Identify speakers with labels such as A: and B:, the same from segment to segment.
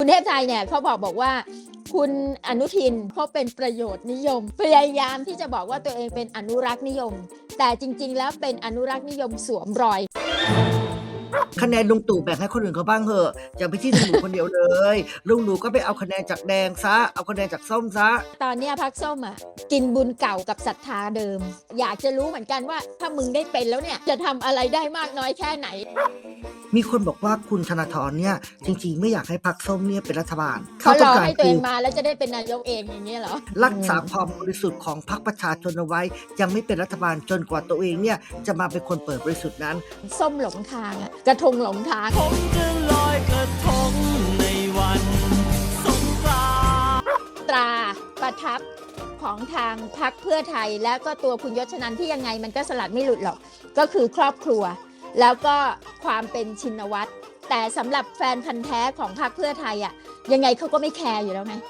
A: เทพไทยเนี่ยเขาบอกว่าคุณอนุทินเขาเป็นประโยชน์นิยมพยายามที่จะบอกว่าตัวเองเป็นอนุรักษ์นิยมแต่จริงๆแล้วเป็นอนุรักษ์นิยมสวมรอย
B: คะแนนลุงตู่แบ่งให้คนอื่นเขาบ้างเถอะอย่าไปที่ลุงหนูคนเดียวเลยลุงหนูก็ไปเอาคะแนนจากแดงซะเอาคะแนนจากส้มซะ
A: ตอนนี้พรรคส้มอ่ะกินบุญเก่ากับศรัทธาเดิมอยากจะรู้เหมือนกันว่าถ้ามึงได้เป็นแล้วเนี่ยจะทำอะไรได้มากน้อยแค่ไหน
B: มีคนบอกว่าคุณธนาธรเนี่ยจริงๆไม่อยากให้พรรคส้มเนี่ยเป็นรัฐบาล
A: เขารอให้ตัวเองมาแล้วจะได้เป็นนายกเองอย่างนี้เหรอ
B: รักษาความบริสุทธิ์ของพรรคประชาชนเอาไว้ยังไม่เป็นรัฐบาลจนกว่าตัวเองเนี่ยจะมาเป็นคนเปิดบริสุทธิ์นั้น
A: ส้มหลงทางอะกระทงหลงทาง
C: ผมจะลอยกระทงในวันสงกรานต์
A: ตราประทับของทางพรรคเพื่อไทยและก็ตัวคุณยศชนันท์ที่ยังไงมันก็สลัดไม่หลุดหรอกก็คือครอบครัวแล้วก็ความเป็นชินวัตรแต่สำหรับแฟนพันธ์แท้ของพรรคเพื่อไทยอ่ะยังไงเขาก็ไม่แคร์อยู่แล้วไง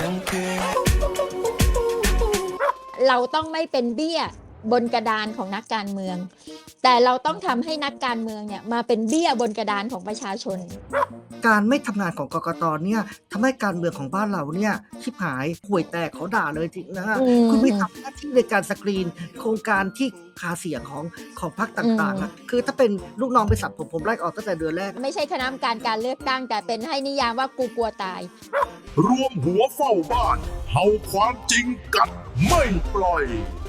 A: เราต้องไม่เป็นเบี้ยบนกระดานของนักการเมืองแต่เราต้องทำให้นักการเมืองเนี่ยมาเป็นเบี้ยบนกระดานของประชาชน
B: การไม่ทำงานของกกตเนี่ยทำให้การเมืองของบ้านเราเนี่ยชิบหายห่วยแตกเขาด่าเลยจริงนะคุณไม่ทำหน้าที่ในการสกรีนโครงการที่หาเสียงของพรรคต่างๆนะคือถ้าเป็นลูกน้องไปสับผมไล่ออกตั้งแต่เดือนแรก
A: ไม่ใช่คณะกรรมการเลือกตั้งแต่เป็นให้นิยามว่ากูกลัวตาย
D: รวมหัวเฝ้าบ้านเฮาความจริงกัดไม่ปล่อย